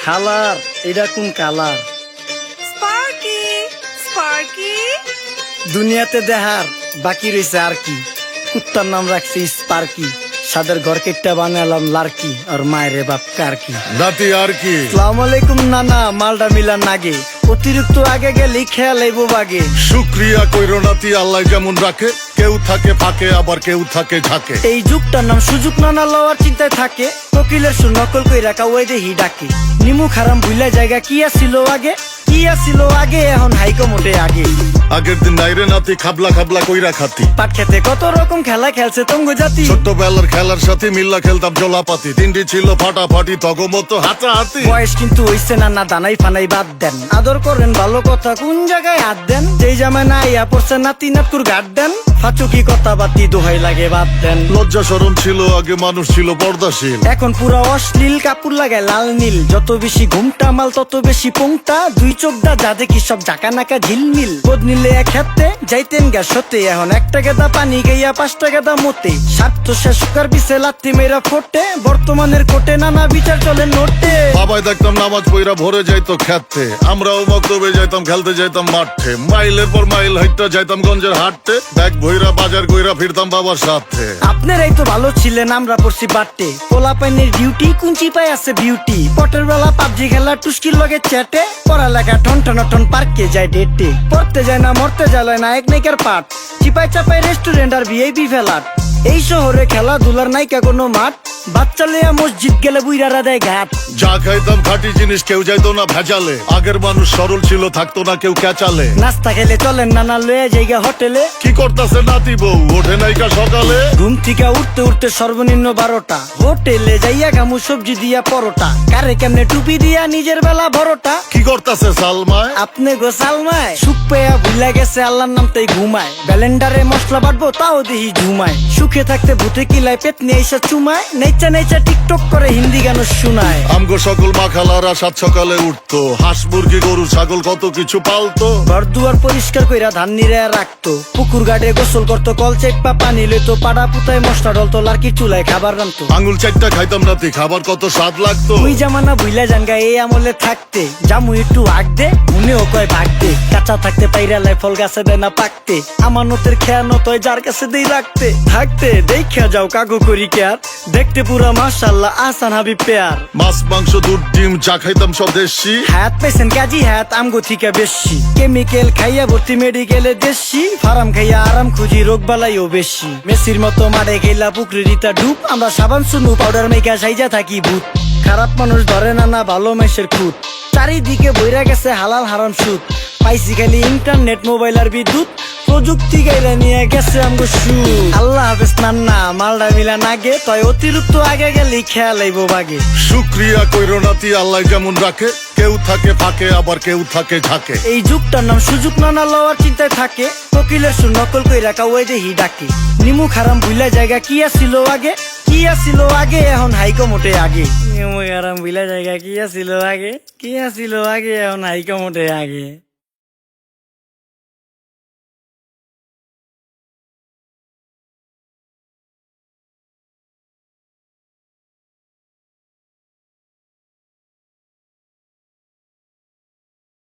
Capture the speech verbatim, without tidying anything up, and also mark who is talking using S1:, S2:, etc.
S1: খালার এটা কোন কালার?
S2: স্পার্কি স্পার্কি
S1: দুনিয়াতে দেহার বাকি রয়েছে আর কি। কুত্তার নাম রাখছি স্পার্কি, সাদের ঘর কেটটা বানালাম লার্কি, আর মায়ের বাপ কারকি।
S3: নাতি আর কি?
S1: আসসালামু আলাইকুম নানা, মালডা মিলা নাগে, অতিরিক্ত আগে গেলে খেয়াল আইবো বাগে।
S3: শুক্রিয়া কইরো নাতি, আল্লাহ যেমন রাখে, কেউ থাকে ফাঁকে আবার কেউ থাকে ঝাঁকে।
S1: এই যুগটার নাম সুযোগ নানা লওয়ার চিন্তায় থাকে, কোকিলের সুর নকল কই রাখা ওই দেহি ডাকে। নিমু খারাম ভুলা জায়গা কি আসিল আগে, কি আসিল আগে এখন হাইকো মোটে আগে।
S3: আগের দিন নাইরে নাতি খাবলা খাবলা কইরা খাতি,
S1: পাট খেতে কত রকম খেলা খেলছে তঙ্গ জাতি।
S3: ছোট্টবেলার খেলার সাথে মিল্লা খেলতাম জলাপাতি, তিনটি ছিল ফাটাফাটি তগমতো হাতাহাতি।
S1: বয়স কিন্তু হইছে না না, দানাই ফানাই বাদ দেন, আদর করেন ভালো কথা কোন জায়গায় হাত দেন। যেই জামায় না ইয়া পড়ছে নাতি নাতকুর গাট দেন, ফাচুকি কথা বাতি দোহাই লাগে বাদ দেন।
S3: লজ্জা শরম ছিল আগে, মানুষ ছিল পর্দাশীল,
S1: এখন পুরো অশ্লীল, কাপড় লাগায় লাল নীল। যত বেশি ঘুমটা মাল তত বেশি পোংটা, দুই চোখটা যা দেখি সব জাকা নাকা ঝিলমিল। বোধ নিলে এক হাতে যাইতেন গা সতে, এখন একটা গেদা পানি গাইয়া পাঁচটা গেদা মতে। স্বার্থ শেষ কার পিছে লাত্তি মেয়েরা ফোটে, বর্তমানের কোটে নানা বিচার চলে নোটে।
S3: বাবাই দেখতাম নামাজ পইরা ভরে যাইতো খেতে, আমরাও মক্তবে যাইতাম, খেলতে যাইতাম মাঠে। মাইলের পর মাইল হাইটটা যাইতাম গঞ্জের হাটতে, ব্যাগ ভইরা বাজার কইরা ফিরতাম বাবার সাথে।
S1: আপনারাই তো ভালো ছিলেন, আমরা পড়ছি বাটে। পোলা পাইনের ডিউটি কুঞ্চি পাই আছে বিউটি, পটের বেলা পাবজি খেলা টুস্কির লগে চ্যাটে। পড়ালেখা টন টন টন পার্কে যায় ডেটে, পড়তে যায় না মরতে যায় না এক নাইকার পাট। চিপাই চাপাই রেস্টুরেন্ট আর ভিআইপি ফেলাট, এই শহরে খেলাধুলার নাইকা কোনো মাঠ। বাচ্চা লেয়া মসজিদ গেলে বুইরারা দেয় ঘাট।
S3: যা খাইতাম খাঁটি জিনিস, কেউ যাইতো না ভেজালে। আগের মানুষ সরল ছিল, থাকতো না কেউ ক্যাচালে।
S1: নাস্তা খেলে চলেন নানা লয়ে জায়গা হোটেলে।
S3: কি করতাছে নাতি বউ, ওঠে নাইকা সকালে।
S1: ঘুম থেকে উঠতে উঠতে সর্বনিম্ন বারোটা, হোটেলে যাইয়া গামু সবজি দিয়া পরোটা। কারে কেমনে টুপি দিয়া নিজের বেলা বড়টা।
S3: কি করতাছে সালমায়?
S1: আপনি গো সালমায় সুখ পেয়া ভুলে গেছে আল্লাহর নাম তাই ঘুমায়। ব্যালেন্ডারে মশলা বাটবো তাও দেহি ঝুমায়। সুখে থাকতে ভূতে কিলায় পেট নিয়ে এসে চুমায়। নেচা নেচা টিকটক করে হিন্দি গান শুনায়।
S3: আমগো সকল মাখালারা সাত সকালে উঠতো, হাঁস মুরগি গরু ছাগল কত কিছু পালতো।
S1: ঘর দুয়ার পরিষ্কার কইরা ধান নিরে রাখতো, পুকুর গাড়ে গোসল করতো, কল চেপা পানি লইতো। পাড়া পুতায় মশলা ডলতো, লার্কি চুলায় খাবার রান্তো।
S3: আঙুল চারটা খাইতাম নাতি, খাবার কত স্বাদ লাগতো।
S1: ওই জামানা ভুইলা জাঙ্গা এই আমলে থাকতে, জামু একটু আগ দে মনেও কয় ভাগ দে। কাঁচা থাকতে পাইরালাই ফল গাছে দেয় না পাকতে, আমানতের খেয়ানত হয় যার কাছে দেই রাখতে। থাকতে দেখা যাও কাগো করি কেয়ার, দেখতে পুরা মাশাআল্লাহ আহসান হাবিব পেয়ার।
S3: মাছ মাংস দুধ ডিম চা খাইতাম সব দেশি,
S1: হাত পেছেন কাজী হাত আমগো থিকা বেশি। কেমিক্যাল খাইয়া ভর্তি মেডিকেলে দেশি, ফার্ম খাইয়া আরাম খুঁজি রোগ বালাইও বেশি। মেসির মতো মারে গেলা পুকুরে রিতা ডুব, আমরা সাবান সুনু পাউডার মেকা সাইজা থাকি ভূত। খারাপ মানুষ ধরে না না ভালো মেসের খুঁত, চারিদিকে বইরা গেছে হালাল হারাম সুদ। পাইছি খালি ইন্টারনেট মোবাইল আর বিদ্যুৎ, প্রযুক্তি গাইলা নিয়ে গেছে আমগো সু। আল্লাহ হাফেজ নান্না, মালডা মিলা নাগে, তয় অতিরিক্ত আগে গেলি খেয়াল আইবো বাগে।
S3: শুক্রিয়া কইরো নাতি, আল্লাহ যেমন রাখে, কেউ থাকে ফাঁকে আবার কেউ থাকে ঝাঁকে।
S1: এই যুগটার নাম সুযোগ নানা লওয়ার চিন্তায় থাকে, কোকিলের সুর নকল কই রাখা ওই দেহি ডাকে। নিমু খারাম ভুলা জায়গা কি আসিল আগে, কি আসিল আগে এখন হাইকো মোটে আগে। নিমু খারাম ভুলা জায়গা কি আসিল আগে, কি আসিল আগে এখন হাইকো মোটে আগে।